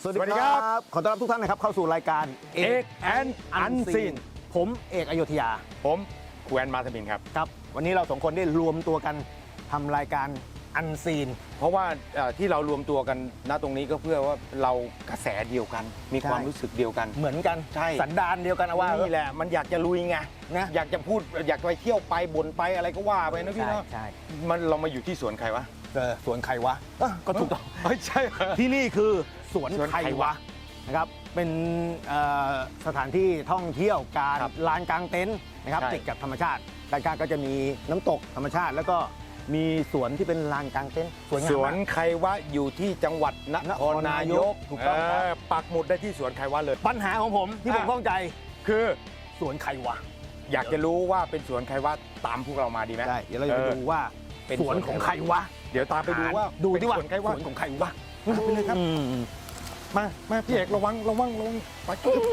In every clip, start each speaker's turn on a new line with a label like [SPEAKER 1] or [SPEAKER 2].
[SPEAKER 1] สวัสดีครับขอต้อนรับทุกท่านนะครับเข้าสู่รายการ
[SPEAKER 2] เอกแอนอันซีน
[SPEAKER 1] ผมเอกอโยธยา
[SPEAKER 2] ผมครูแอนมาสมินครับ
[SPEAKER 1] ครับวันนี้เราสองคนได้รวมตัวกันทำรายการอันซีน
[SPEAKER 2] เพราะว่าที่เรารวมตัวกันณตรงนี้ก็เพื่อว่าเรากระแสเดียวกัน มีความรู้สึกเดียวกัน
[SPEAKER 1] เหมือนกัน
[SPEAKER 2] ใช่
[SPEAKER 1] สันดานเดียวกันเอาว่า
[SPEAKER 2] นี่แหละมันอยากจะลุยไง
[SPEAKER 1] นะ
[SPEAKER 2] อยากจะพูดอยากไปเที่ยวไปบ่นไปอะไรก็ว่าไปนะพี่เนาะ
[SPEAKER 1] ใช่
[SPEAKER 2] มันเรามาอยู่ที่สวนใครวะ
[SPEAKER 1] สวนใครวะก็ถูกต้อง
[SPEAKER 2] ไม่ใช่เหรอ
[SPEAKER 1] ที่นี่คือสวน
[SPEAKER 2] สวน
[SPEAKER 1] ใคร
[SPEAKER 2] ใคร
[SPEAKER 1] วะ
[SPEAKER 2] วะ
[SPEAKER 1] นะครับเป็นสถานที่ท่องเที่ยวการ
[SPEAKER 2] ครับ
[SPEAKER 1] ลานกลางเต็นท์นะครับ
[SPEAKER 2] ใช่
[SPEAKER 1] ติดกับธรรมชาติด้านข้างก็จะมีน้ำตกธรรมชาติ แล้วก็มีสวนที่เป็นลานกลางเต็นท์สวยงาม
[SPEAKER 2] ส
[SPEAKER 1] มาก
[SPEAKER 2] วนใครวะอยู่ที่จังหวัดนครนายก
[SPEAKER 1] ถูกต้องครับ
[SPEAKER 2] ปักหมุดได้ที่สวนใครวะเลย
[SPEAKER 1] ปัญหาของผมที่ผมข้องใจ
[SPEAKER 2] คือ
[SPEAKER 1] สวนใครวะ
[SPEAKER 2] อยากจะรู้ว่าเป็นสวนใครวะตามพวกเรามาดีไหม
[SPEAKER 1] ได้เดี๋ยวเราจะไปดูว่า
[SPEAKER 2] เป็น
[SPEAKER 1] สวนของใครวะ
[SPEAKER 2] เดี๋ยวตามไปดูว่า
[SPEAKER 1] ดูที่ว่า
[SPEAKER 2] เป็นสวนใครวะ
[SPEAKER 1] สวนของใครวะ
[SPEAKER 2] ไปเลยครับ มาพี่เอกระวังไป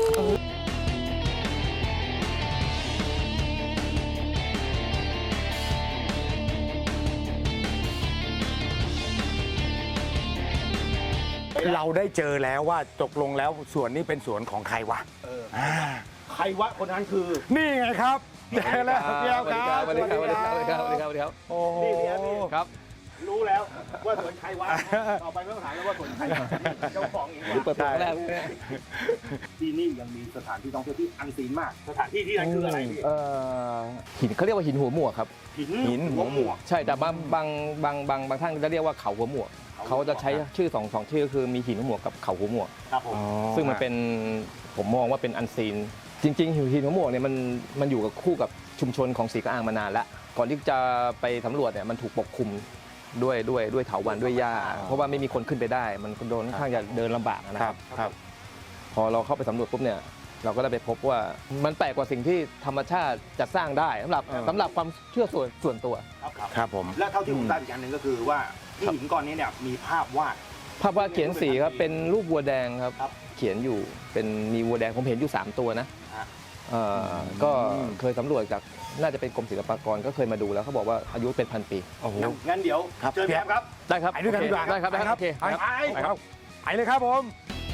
[SPEAKER 2] เราได้เจอแล้วว่าตกลงแล้วสวนนี้เป็นสวนของใครวะ
[SPEAKER 1] ใครวะคนนั้นคือ
[SPEAKER 2] นี่ไงครับเจอแล้วพี่เอาครับ
[SPEAKER 3] สวัสดีครับสวัสดีครับสวัสดีครับสวัสดีครับสวัสดีครับ
[SPEAKER 2] โอ้โห
[SPEAKER 1] นี่
[SPEAKER 3] ครับ
[SPEAKER 1] รู้แล้วว่าสวนใครวะต่อไปไม่ต้องถามแล้วว่าสวนใครวะเจ้าของเอง
[SPEAKER 3] เปิดตัวแรก
[SPEAKER 1] ที่นี่ยังมีสถานที่ท่องเที่ยวที่อันซีนมาก สถานที่ที่นั่นคืออะไรพี่
[SPEAKER 3] หินเขาเรียกว่าหินหัวหมวกครับ
[SPEAKER 2] หินหัวหมวก
[SPEAKER 3] ใช่แต่บางท่านจะเรียกว่าเขาหัวหมวกเขาจะใช้ชื่อสองชื่อคือมีหินหัวหมวกกับเขาหัวหมวก
[SPEAKER 1] ครับผม
[SPEAKER 3] ซึ่งมันเป็นผมมองว่าเป็นอันซีน จริงๆหินหัวหมวกเนี่ยมันอยู่กับคู่กับชุมชนของศรีกระอางมานานแล้วก่อนที่จะไปสำรวจเนี่ยมันถูกปกคลุมด้วยเถาวัลย์ด้วยหญ้าเพราะว่าไม่มีคนขึ้นไปได้ มันโดนค่อนข้างจะเดินลำบากนะครับ
[SPEAKER 2] ครับ
[SPEAKER 3] พอเราเข้าไปสำรวจปุ๊บเนี่ยเราก็ได้ไปพบว่ามันแปลกกว่าสิ่งที่ธรรมชาติจะสร้างได้สำหรับความเชื่อส่วนตัว
[SPEAKER 2] ครับผม
[SPEAKER 1] และเท่าที่ผมทราบอีกอย่างหนึ่งก็คือว่าที่หินก้อนนี้เนี่ยมีภาพวาด
[SPEAKER 3] ภาพวาดเขียนสีครับเป็นรูปวัวแดงครับ
[SPEAKER 1] ครับ
[SPEAKER 3] เขียนอยู่เป็นมีวัวแดงผมเห็นอยู่3ตัวนะ
[SPEAKER 1] ฮะ
[SPEAKER 3] ก็เคยสำรวจจากน่าจะเป็นกรมศิลปากรก็เคยมาดูแล้วเขาบอกว่าอายุเป็น1,000 ปี
[SPEAKER 2] โอ้โห
[SPEAKER 1] งั้นเดี๋ยว
[SPEAKER 2] ครับ
[SPEAKER 1] เชิญพี่แอมครับ
[SPEAKER 3] ได้ครับ
[SPEAKER 2] ไปด้วยกันดีกว่า
[SPEAKER 3] ได้ครับได้ครับโอเค
[SPEAKER 2] ไป
[SPEAKER 3] ครับ
[SPEAKER 2] ไปครับไปเลยครับผม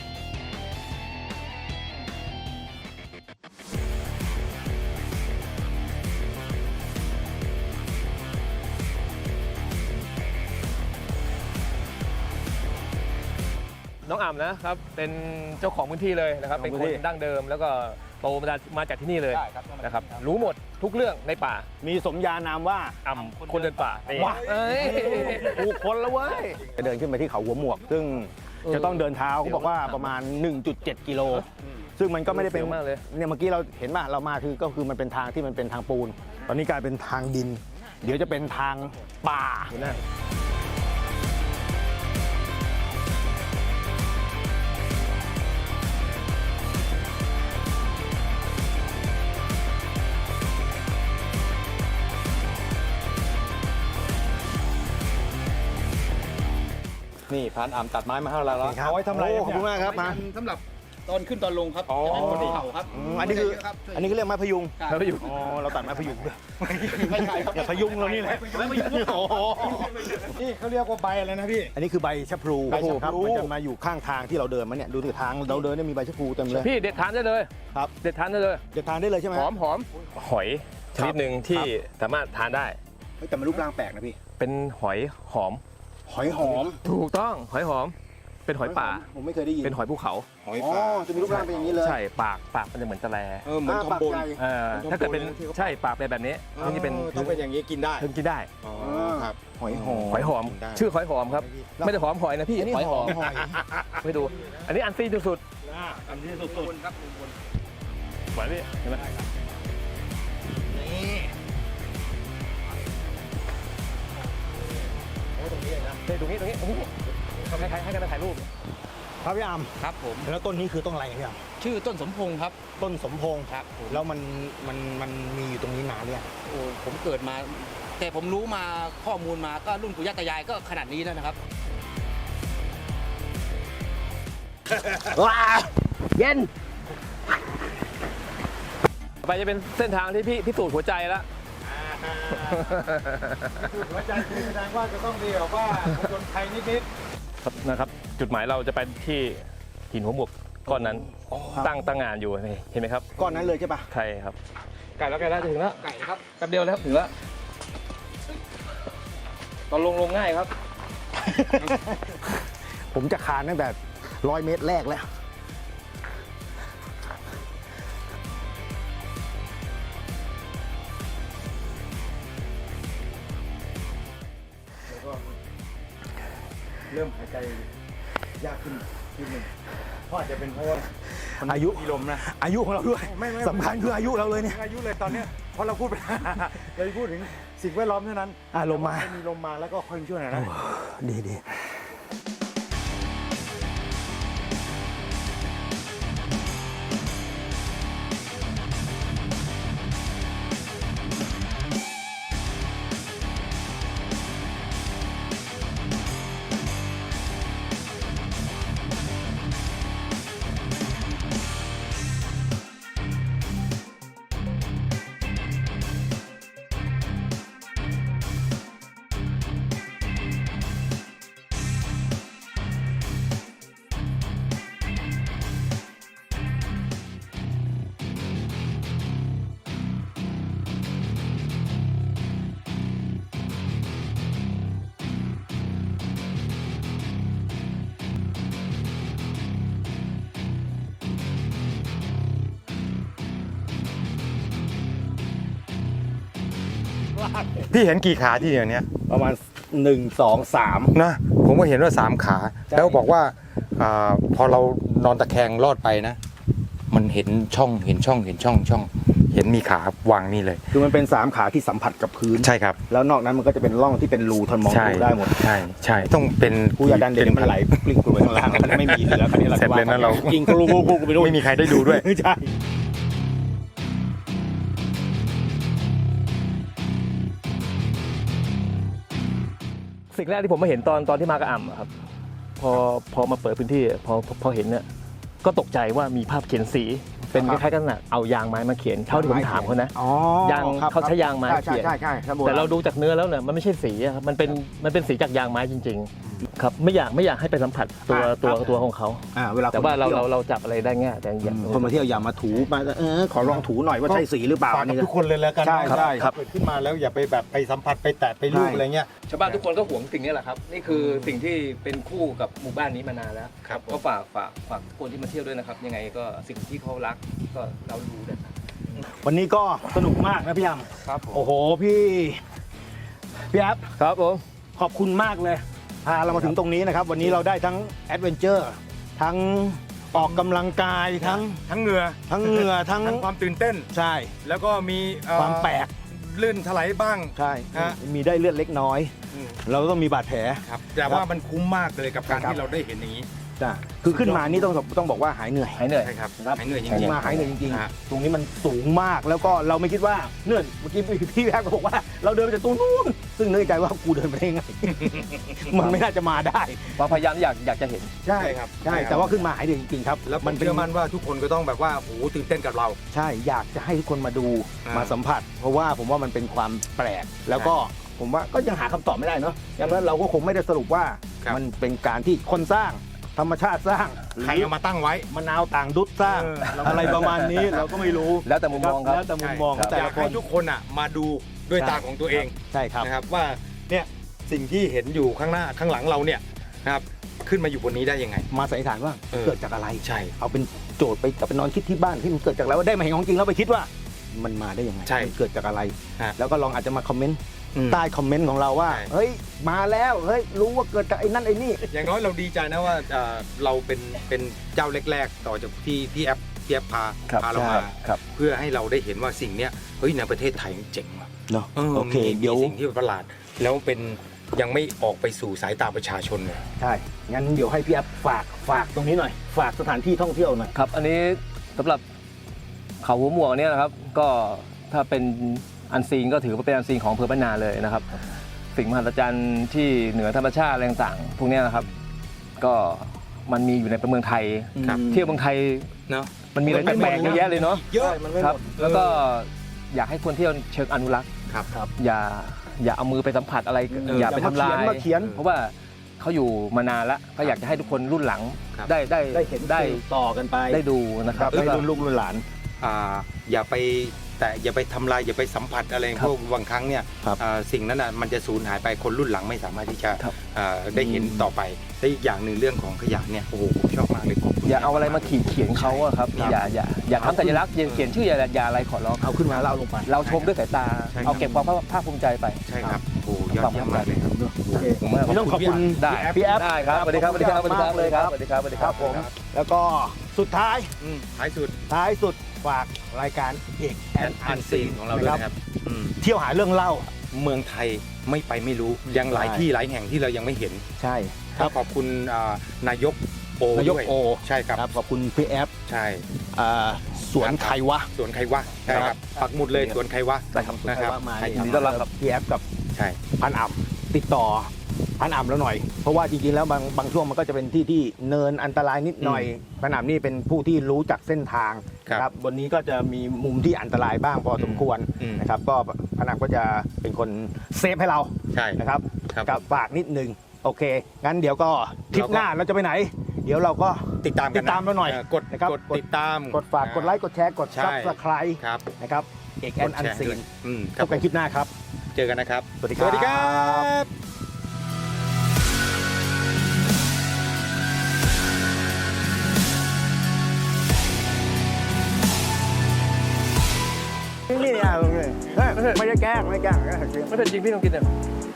[SPEAKER 3] น้องอ่ำนะครับเป็นเจ้าของพื้นที่เลยนะครับเป็นคนดั้งเดิมแล้วก็โตมาจากที่นี่เลยนะครับรู้หมดทุกเรื่องในป่า
[SPEAKER 1] มีสมญานามว่า
[SPEAKER 3] อ่ำคนเดินป่านี่
[SPEAKER 1] ว้า
[SPEAKER 3] เอ้ย
[SPEAKER 1] ถูกคนแล้วเว้ยจะเดินขึ้นไปที่เขาหัวหมวก ซึ่งจะต้องเดินเท้าเขาบอกว่าประมาณ 1.7 กิโล ซึ่งมันก็ไม่ได้เป็น
[SPEAKER 3] เสียวมากเลย
[SPEAKER 1] เนี่ยเมื่อกี้เราเห็นป่ะเรามาคือมันเป็นทางที่มันเป็นทางปูน ตอนนี้กลายเป็นทางดิน เดี๋ยวจะเป็นทางป่านะ
[SPEAKER 4] นี่พรานอ่ำตัดไม้มาให้เราแล้ว
[SPEAKER 2] เอาไว้ทำอะไร
[SPEAKER 1] โอ้
[SPEAKER 2] เนี่ย
[SPEAKER 1] ขอบคุณมากครับมา
[SPEAKER 4] สำหรับตอนขึ้นตอนลงครับ
[SPEAKER 2] อ๋อ
[SPEAKER 4] จะเป็นคนเขาครับ
[SPEAKER 1] อันนี้คือ
[SPEAKER 4] ครับ
[SPEAKER 1] อันนี้ก็เรียกไม้พยุง
[SPEAKER 3] แล้วไปอยู่
[SPEAKER 1] อ๋อเราตัดไม้พยุงด้วย
[SPEAKER 4] ไม่ใช่ครับ
[SPEAKER 1] อย่าพยุงเรานี่แหละโอ้โห
[SPEAKER 2] นี่เขาเรียกว่าใบอะไรนะพี่
[SPEAKER 1] อันนี้คือใบชะพลู
[SPEAKER 2] ใบชะพลู
[SPEAKER 1] ครับมันจะมาอยู่ข้างทางที่เราเดินมาเนี่ยดูสิทางเราเดินเนี่ยมีใบชะพลูเต็มเลย
[SPEAKER 3] พี่เด็ดทานได้เลย
[SPEAKER 1] ครับ
[SPEAKER 3] เด็ดทานได้เลย
[SPEAKER 1] จะทานได้เลยใช่ไหม
[SPEAKER 3] หอมหอยชนิดหนึ่งที่สามารถทานได้
[SPEAKER 1] เฮ้ยแต่มันรูปร่างแปลกนะพี่
[SPEAKER 3] เป็นหอยหอม
[SPEAKER 1] หอยหอม
[SPEAKER 3] ถูกต้องหอยหอม เป็นหอยป่า
[SPEAKER 1] ผมไม่เคยได้ยิน
[SPEAKER 3] เป็นหอยภูเขา
[SPEAKER 2] หอย
[SPEAKER 1] อ๋อ
[SPEAKER 2] ป่า
[SPEAKER 1] จะมีรูปร่างเป็นอย่างนี้เลย
[SPEAKER 3] ใช่ปากมันจะเหมือนตะแล
[SPEAKER 2] เหมือน
[SPEAKER 1] ปา
[SPEAKER 2] คอก มบน
[SPEAKER 1] ใหญ่
[SPEAKER 3] ถ้าเกิดเป็นใช่ปากเป็นแบบนี้ถึงจะเป็น
[SPEAKER 2] ต้องเป็นอย่างนี้กินได้
[SPEAKER 3] ถึงกินได้
[SPEAKER 2] อ๋อครับ
[SPEAKER 1] หอยหอม
[SPEAKER 3] หอยหอม
[SPEAKER 2] กินได้
[SPEAKER 3] ชื่อหอยหอมครับ ไม่ได้หอมหอยนะพี่
[SPEAKER 1] อันนี้
[SPEAKER 3] หอยหอม
[SPEAKER 1] หอย
[SPEAKER 3] ไม่ดู อันนี้อันซีนสุด
[SPEAKER 1] อันนี้สุด
[SPEAKER 4] ครับบน
[SPEAKER 3] ๆหวานพี่เห็นไหมตรงนี้ให้กันไปถ่ายรูป
[SPEAKER 1] ๆครับพี่อาม
[SPEAKER 4] ครับผม
[SPEAKER 1] แล้วต้นนี้คือต้นอะไรพี่อาม
[SPEAKER 4] ชื่อต้นสมพงษ์ครับ
[SPEAKER 1] ต้นสมพงษ์
[SPEAKER 4] ครับผม
[SPEAKER 1] แล้วมันมีอยู่ตรงนี้นานเนี่ยง
[SPEAKER 4] โอ้ผมเกิดมา แต่ผมรู้มาข้อมูลมาก็รุ่นปู่ย่าตายายก็ขนาดนี้แล้วนะครับ
[SPEAKER 1] ว้าเย็น
[SPEAKER 3] ต่อไปจะเป็นเส้นทางที่พี่พิสูจน์หัวใจแล้ว
[SPEAKER 2] หัวใจคือแสดงว่าจะต้องดีแบบว่าคนไทยนิด
[SPEAKER 3] ครับนะครับ จุดหมายเราจะไปที่หินหัวหมวกก้อนนั้นตั้งงานอยู่เห็นไหมครับ
[SPEAKER 1] ก้อนนั้นเลยใช่ปะ
[SPEAKER 3] ใช่ครับไก่แล้วถึงแล้วไก่ครับแป๊บเดียวแล้วถึงแล้วตอนลงง่ายครับ
[SPEAKER 1] ผมจะคานตั้งแต่100 เมตรแรกแล้ว
[SPEAKER 2] เริ่มหายใจยากขึ้นนิดนึงเพราะอาจจะเป็นเพราะว่า
[SPEAKER 1] อายุ
[SPEAKER 2] มีลมนะ
[SPEAKER 1] อายุของเราด้วย
[SPEAKER 2] ไม่
[SPEAKER 1] สำคัญคืออายุเราเลยเนี่ย
[SPEAKER 2] อายุเลยตอนเนี้ยเพราะเราพูดไป เราพูดถึงสิ่งแวดล้อมเท่านั้น
[SPEAKER 1] ลมมา
[SPEAKER 2] มีลมมาแล้วก็ค่อยช่วยหน่อยนะ
[SPEAKER 1] ดี
[SPEAKER 2] พี่เห็นกี่ขาที่เดียวเนี้ย
[SPEAKER 1] ประมาณ1 2 3
[SPEAKER 2] นะผมก็เห็นว่า3 ขา
[SPEAKER 1] ใช่
[SPEAKER 2] แล้วบอกว่าพอเรานอนตะแคงลอดไปนะ มันเห็นช่องเห็นมีขาวางนี่เลย
[SPEAKER 1] คือมันเป็น3 ขาที่สัมผัสกับพื้น
[SPEAKER 2] ใช่ครับ
[SPEAKER 1] แล้วนอกนั้นมันก็จะเป็นร่องที่เป็นรูทอนมอง
[SPEAKER 2] ใช่
[SPEAKER 1] ดูได้หมด
[SPEAKER 2] ใช่ต้องเป็น
[SPEAKER 1] ผู้ยาดันเด่นมันไหลปลิ้งกลัวไปข้างล่างมันไม่มีเหลือคันนี้เรา
[SPEAKER 2] เสร็จเลยนะเรา
[SPEAKER 1] กิงกรูไปด้วย
[SPEAKER 2] ไม่มีใครได้ดูด้วย
[SPEAKER 1] ใช่
[SPEAKER 3] สิ่งแรกที่ผมมาเห็นตอนที่มากระอ่ำอะครับพอมาเปิดพื้นที่พอเห็นเนี่ยก็ตกใจว่ามีภาพเขียนสีเป็นคล้ายๆกันน่ะเอายางไม้มาเขียนเท่าที่ผมถามเขานะ
[SPEAKER 1] อ๋อย
[SPEAKER 3] าง
[SPEAKER 1] ครับ
[SPEAKER 3] เขาใช้ยางไม้เขียน
[SPEAKER 1] ใช่
[SPEAKER 3] แต่เราดูจากเนื้อแล้วเนี่ยมันไม่ใช่สีอะครับมันเป็นสีจากยางไม้จริงๆครับไม่อยากให้ไปสัมผัสตัวของเขา
[SPEAKER 1] เวลา
[SPEAKER 3] แต่ว่า
[SPEAKER 1] คนมที่ยว
[SPEAKER 3] เราจับอะไรได้ง่ายแต่อย่าง
[SPEAKER 1] คนมาเที่ยวอย่ามาถูมาขอลองถูหน่อยว่าใช่สีหรือเปล่า
[SPEAKER 2] ฝาก
[SPEAKER 1] อัน
[SPEAKER 2] กับ
[SPEAKER 1] นี้
[SPEAKER 2] ทุกคนเลยแล้วกัน
[SPEAKER 1] ใช่ใช่ครับ
[SPEAKER 2] เกิดขึ้นมาแล้วอย่าไปแบบไปสัมผัสไปแตะไปลูบอะไรเงี้ย
[SPEAKER 3] ชาวบ้านทุกคนก็หวงสิ่งนี้แหละครับนี่คือสิ่งที่เป็นคู่กับหมู่บ้านนี้มานานแล้ว
[SPEAKER 2] ครับ
[SPEAKER 3] ก็ฝากคนที่มาเที่ยวด้วยนะครับยังไงก็สิ่งที่เขารักก็เราดูนะครับ
[SPEAKER 1] วันนี้ก็สนุกมากนะพี่ย
[SPEAKER 2] ครับผม
[SPEAKER 1] ำโอ้โหพี่แอฟ
[SPEAKER 3] ครับผม
[SPEAKER 1] ขอบคุณมากเลยพาเรามาถึงตรงนี้นะครับ วันนี้เราได้ทั้งแอดเวนเจอร์ทั้งออกกำลังกายทั้ง
[SPEAKER 2] ทั้งเหงื่อ
[SPEAKER 1] ทั้ง
[SPEAKER 2] ความตื่นเต้น
[SPEAKER 1] ใช่
[SPEAKER 2] แล้วก็มี
[SPEAKER 1] ความแปลก
[SPEAKER 2] ลื่นถลายบ้าง
[SPEAKER 1] ใช่
[SPEAKER 2] ฮะ
[SPEAKER 1] มีได้เลือดเล็กน้อย เราต้องมีบาดแผล
[SPEAKER 2] ครับแต่ว่ามันคุ้มมากเลยกับการที่เราได้เห็นอย่างนี้
[SPEAKER 1] จ้ะคือขึ้นมานี่ต้องบอกว่าหายเหนื่อย
[SPEAKER 3] หายเหนื่อย
[SPEAKER 2] ใช่ครับ
[SPEAKER 1] ครับ
[SPEAKER 2] หายเหนื่อยจ
[SPEAKER 1] ขึ้
[SPEAKER 2] ริ
[SPEAKER 1] น
[SPEAKER 2] ง
[SPEAKER 1] มาหายเหนื่อยจริง
[SPEAKER 2] ฮะ
[SPEAKER 1] ๆตรงนี้มันสูงมากแล้วก็เราไม่คิดว่าเนื่อนเมื่อกี้พี่แอฟก็บอกว่าเราเดินไปจากตรงนู้นซึ่งนึกในใจว่ากูเดินไปได้ไง มันไม่น่าจะมาได้
[SPEAKER 3] พยายามอยากจะเห็น
[SPEAKER 1] ใช่
[SPEAKER 2] ใช่ครับ
[SPEAKER 1] ใช่แต่ว่าขึ้นมาหายเหนื่อยจริงๆครับ
[SPEAKER 2] แล้วมั
[SPEAKER 1] มัน นเป็น
[SPEAKER 2] เชื่อมั่นว่าทุกคนก็ต้องแบบว่าโอ้โหตื่นเต้นกับเรา
[SPEAKER 1] ใช่อยากจะให้ทุกคนมาดู
[SPEAKER 2] อ่าม
[SPEAKER 1] มาสัมผัส เพราะว่าผมว่ามันเป็นความแปลก แล้วก็ผมว่าก็ยังหาคำตอบไม่ได้เนาะดังนั้นเราก็คงไม่ได้สรุปว่า
[SPEAKER 2] ครับ
[SPEAKER 1] มันเป็นการที่คนสร้างธรรมชาติสร้าง
[SPEAKER 2] ใครเอามาตั้งไว้
[SPEAKER 1] มะนาวต่างดุดสร้าง อะไรประมาณนี้เราก็ไม่รู้
[SPEAKER 3] แล้วแต่มุมมองครับ
[SPEAKER 1] แล้วแต่มุมมองของแต่
[SPEAKER 2] อยา
[SPEAKER 1] ละ
[SPEAKER 2] ก
[SPEAKER 1] ค
[SPEAKER 2] ให้
[SPEAKER 1] น
[SPEAKER 2] ทุกคนอ่ะมาดูด้วย
[SPEAKER 1] ใช่
[SPEAKER 2] ตาของตัวเอง
[SPEAKER 1] ใช่ครับ
[SPEAKER 2] นะครับว่าเนี่ยสิ่งที่เห็นอยู่ข้างหน้าข้างหลังเราเนี่ยนะครับขึ้นมาอยู่บนนี้ได้ยังไง
[SPEAKER 1] มาสันนิษฐานว่า
[SPEAKER 2] เออ
[SPEAKER 1] เกิดจากอะไร
[SPEAKER 2] ใช่
[SPEAKER 1] เอาเป็นโจทย์ไปกลับไปนอนคิดที่บ้านที่มันเกิดจากอะไรว่าได้มาเห็นของจริงแล้วไปคิดว่า มันมาได้ยังไง
[SPEAKER 2] ใช่
[SPEAKER 1] มันเกิดจากอะไร
[SPEAKER 2] ฮะ
[SPEAKER 1] แล้วก็ลองอาจจะมาคอมเมนต์
[SPEAKER 2] อืม
[SPEAKER 1] ใต้คอมเมนต์ของเราว่า
[SPEAKER 2] ใช่
[SPEAKER 1] เฮ้ยมาแล้วเฮ้ยรู้ว่าเกิดจากไอ้นั่นไอ้นี่
[SPEAKER 2] อย่างน้อยเราดีใจนะว่าเราเป็นเจ้าแรกๆต่อจากที่พี่แอฟพา
[SPEAKER 3] ครับ
[SPEAKER 2] พาเรามา
[SPEAKER 3] ครับ
[SPEAKER 2] เพื่อให้เราได้เห็นว่าสิ่งเนี้ยเฮ้ยในประเทศไทยเจ๋งว่ะ
[SPEAKER 1] เนาะ
[SPEAKER 2] ออ
[SPEAKER 1] โอเค
[SPEAKER 2] มี
[SPEAKER 1] เดี๋ยว
[SPEAKER 2] สิ่งที่ประหลาด แล้วเป็นยังไม่ออกไปสู่สายตาประชาชนเลย
[SPEAKER 1] ใช่งั้นเดี๋ยวให้พี่แอฟฝากตรงนี้หน่อย ฝากสถานที่ท่องเที่ยวหน่อย
[SPEAKER 3] ครับ อันนี้สำหรับเขาหัวหมวกเนี่ยนะครับ ก็ถ้าเป็นอันซีนก็ถือว่าเป็นอันซีนของอำเภอบ้านนาเลยนะครับ สิ่งมหัศจรรย์ที่เหนือธรรมชาติอะไรต่างๆพวกเนี้ยนะครับ ก็มันมีอยู่ในเมืองไทย
[SPEAKER 2] ครับ
[SPEAKER 3] เที่ยวเมืองไทย
[SPEAKER 2] เนาะ
[SPEAKER 3] มันมีอะไร
[SPEAKER 1] มันไม่
[SPEAKER 3] แปลก
[SPEAKER 1] หมด
[SPEAKER 3] ๆเยอะแยะเลยเนาะ
[SPEAKER 2] เยอะ
[SPEAKER 1] มันไม่
[SPEAKER 3] ค
[SPEAKER 1] ห
[SPEAKER 3] รับ
[SPEAKER 1] มด
[SPEAKER 3] แล้วก็อยากให้คนเที่ยวเชิงอนุรักษ์
[SPEAKER 2] ครับ
[SPEAKER 1] ครับ
[SPEAKER 3] อย่าเอามือไปสัมผัสอะไร
[SPEAKER 2] เออ
[SPEAKER 3] อย่าไปทำลาย
[SPEAKER 1] มาเขียน
[SPEAKER 3] เพราะว่าเขาอยู่มานานแล้วก็อยากจะให้ทุกคนรุ่นหลัง
[SPEAKER 2] ครับ
[SPEAKER 1] ได้เห็น
[SPEAKER 3] ได้
[SPEAKER 1] ต่อกันไป
[SPEAKER 3] ได้ดูนะครับ
[SPEAKER 1] ให้
[SPEAKER 3] แล้วก็
[SPEAKER 1] รุ่นลูกรุ่นหลาน
[SPEAKER 2] อย่าไปแต่อย่าไปทำลายอย่าไปสัมผัสอะไร
[SPEAKER 3] ครับ
[SPEAKER 2] พวกบางครั้งเนี่ย
[SPEAKER 1] ครับ
[SPEAKER 2] สิ่งนั้นมันจะสูญหายไปคนรุ่นหลังไม่สามารถที่จะ
[SPEAKER 3] ครับ
[SPEAKER 2] ได้เห็นต่อไปและอีกอย่างหนึ่งเรื่องของขยะเนี่ยโอ้โหผมชอบมากเลยขอบคุณ
[SPEAKER 3] อย่าเอาอะไรมาขีดเขียนเขาอะครับ
[SPEAKER 1] ครับ
[SPEAKER 3] อย่าทำสัญลักษณ์อย่าเขียนชื่ออย่าอะไรขอร้อง
[SPEAKER 1] เอาขึ้นมาแล้วเอาลงไป
[SPEAKER 3] เราชมด้วยสายตา
[SPEAKER 2] ใช่ครับ
[SPEAKER 3] เอาเก็บความภาคภูมิใจไป
[SPEAKER 2] ใช่ครับโอ้โหยอดเยี่ยมมากเลยครับ
[SPEAKER 1] โอเค
[SPEAKER 3] ผมว่า
[SPEAKER 1] ต้องขอบคุณ
[SPEAKER 3] ได้
[SPEAKER 1] พี่แอฟ
[SPEAKER 3] ได้ครับสวัสดีครับสวัสดีครับสวัสดีครับ
[SPEAKER 1] มากเลยครับ
[SPEAKER 3] สวัสดีครับสวัสดี
[SPEAKER 1] ค
[SPEAKER 3] ค
[SPEAKER 1] รั
[SPEAKER 3] รั
[SPEAKER 1] บบ ผม แล้วก็สุดท้าย
[SPEAKER 2] ท้ายสุด
[SPEAKER 1] ฝากรายการเอกแอนอันซีน
[SPEAKER 2] ของเราด้วยนะครับ
[SPEAKER 1] เที่ยวหาเรื่องเล่า
[SPEAKER 2] เมืองไทยไม่ไปไม่รู้ยังหลายที่หลายแห่งที่เรายังไม่เห็น
[SPEAKER 1] ใช่
[SPEAKER 2] ครับขอบคุณนายกโอน
[SPEAKER 1] ายก
[SPEAKER 2] ด้วย
[SPEAKER 1] โอ
[SPEAKER 2] ใช่ครับ
[SPEAKER 1] ครับขอบคุณพี่แอฟ
[SPEAKER 2] ใช่
[SPEAKER 1] สวนไควะ
[SPEAKER 2] สวนใครวะใช่ครับปักหมุดเลยสวนใครวะ
[SPEAKER 3] ได้ครับ
[SPEAKER 2] นะครับ
[SPEAKER 1] มา
[SPEAKER 2] ใช่
[SPEAKER 3] ยินดีต้อนรับครับ
[SPEAKER 1] พี่แอฟกับ
[SPEAKER 2] ใช่
[SPEAKER 1] พันอ่ำติดต่อพันอ่ำแล้วหน่อย เพราะว่าจริงๆแล้วบางช่วงมันก็จะเป็นที่ที่เนินอันตรายนิดหน่อยพันอ่ำนี่เป็นผู้ที่รู้จักเส้นทางนะครับบนนี้ก็จะมีมุมที่อันตรายบ้างพอสมควรนะครับก็พันอ่ำก็จะเป็นคนเซฟให้เรา
[SPEAKER 2] ใช่
[SPEAKER 1] นะครับ
[SPEAKER 2] ครับ
[SPEAKER 1] กับฝากนิดนึงโอเค งั้นเดี๋ยวก็ทริปหน้าเราจะไปไหน เดี๋ยวเราก็
[SPEAKER 2] ติดตามกัน
[SPEAKER 1] ติดตามเราหน่อย
[SPEAKER 2] กด
[SPEAKER 1] นะครับ
[SPEAKER 2] กดติดตาม
[SPEAKER 1] กดฝากกดไลค์กดแชร์กด
[SPEAKER 2] ใช่
[SPEAKER 1] ซับสไครต์
[SPEAKER 2] ครับ
[SPEAKER 1] นะครับเอกแอนอันซีน
[SPEAKER 2] ค
[SPEAKER 1] พ
[SPEAKER 2] รับบ
[SPEAKER 1] กันคลิปหน้าครับ
[SPEAKER 2] เจอกันนะครับ
[SPEAKER 1] สวัสดีครับ
[SPEAKER 2] สวัสดีครับ
[SPEAKER 1] นี่เนี่ยไม่ได้แกล้งไม่ได้แกล้ง
[SPEAKER 3] ไม่เป็นจริงพี่ต้องกินเนี่ย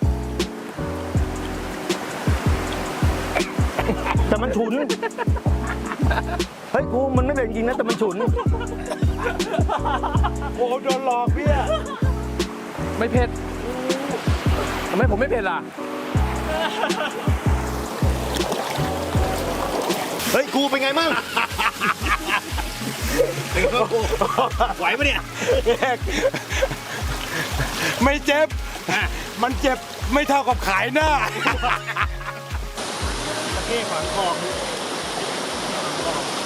[SPEAKER 1] แต่มันฉุน เฮ้ยกูมันไม่เป็นจริงนะแต่มันฉุน โอ้โดนหลอกพี่
[SPEAKER 3] ไม่เผ็ดทำไมผมไม่เผ็ดล่ะ
[SPEAKER 1] เฮ้ยกูเป็นไงมั่งไหวปะเนี่ย
[SPEAKER 2] ไม่เจ็บ มันเจ็บไม่เท่ากับขายหน้า
[SPEAKER 1] ประเทศขวางคลอง